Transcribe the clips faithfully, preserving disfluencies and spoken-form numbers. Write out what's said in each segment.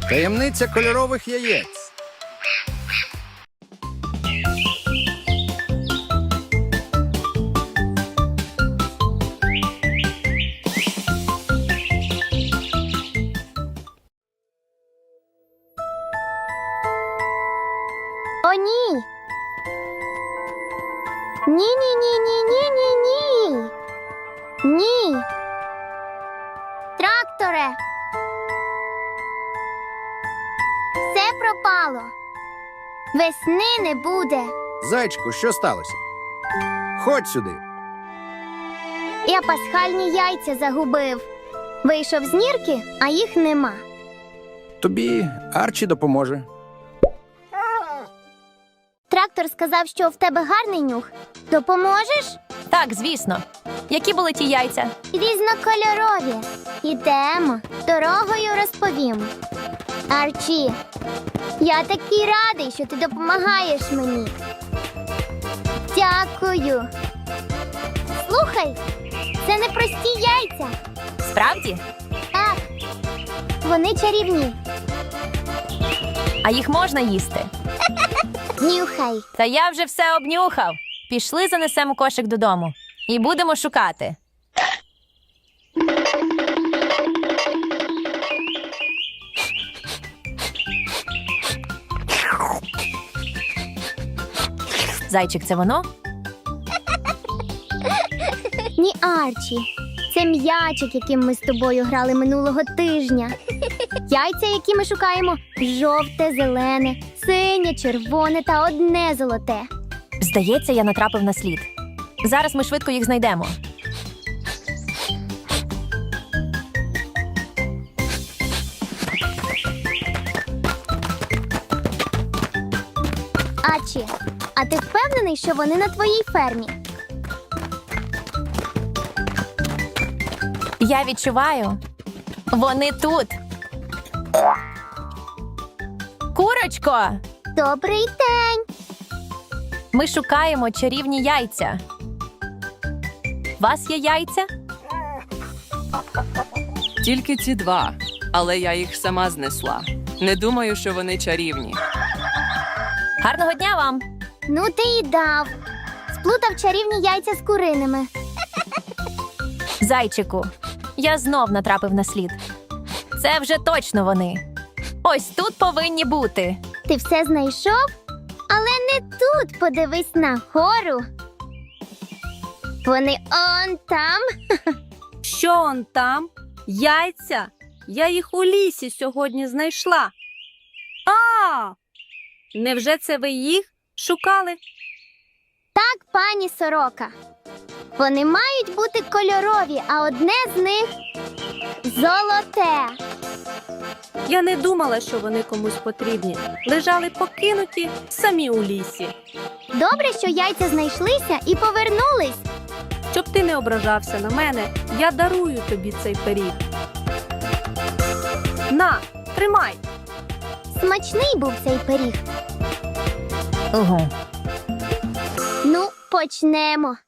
Таємниця кольорових яєць. О, ні! Ні-ні-ні-ні-ні-ні-ні! Ні! Тракторе! Все пропало! Весни не буде! Зайчику, що сталося? Ходь сюди. Я пасхальні яйця загубив. Вийшов з нірки, а їх нема. Тобі Арчі допоможе. Трактор сказав, що в тебе гарний нюх. Допоможеш? Так, звісно. Які були ті яйця? Різнокольорові. Ідемо, дорогою розповім. Арчі, я такий радий, що ти допомагаєш мені. Дякую. Слухай, це не прості яйця. Справді? Так, вони чарівні. А їх можна їсти? Нюхай. Та я вже все обнюхав. Пішли, занесемо кошик додому. І будемо шукати. Зайчик, це воно? Ні, Арчі. Це м'ячик, яким ми з тобою грали минулого тижня. Яйця, які ми шукаємо, жовте, зелене, синє, червоне та одне золоте. Здається, я натрапив на слід. Зараз ми швидко їх знайдемо. Арчі, а ти впевнений, що вони на твоїй фермі? Я відчуваю. Вони тут. Курочко! Добрий день! Ми шукаємо чарівні яйця. У вас є яйця? Тільки ці два, але я їх сама знесла. Не думаю, що вони чарівні. Гарного дня вам! Ну ти і дав. Сплутав чарівні яйця з куриними. Зайчику, я знов натрапив на слід. Це вже точно вони. Ось тут повинні бути. Ти все знайшов? Але не тут, подивись на гору. Вони он там. Що он там? Яйця? Я їх у лісі сьогодні знайшла. А! Невже це ви їх шукали? Так, пані Сорока. Вони мають бути кольорові, а одне з них золоте. Я не думала, що вони комусь потрібні. Лежали покинуті самі у лісі. Добре, що яйця знайшлися і повернулись. Щоб ти не ображався на мене, я дарую тобі цей пиріг. На, тримай. Смачний був цей пиріг. Угу. Ну, почнемо.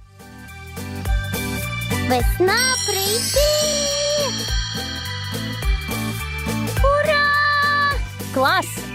Весна прийти! Ура! Клас!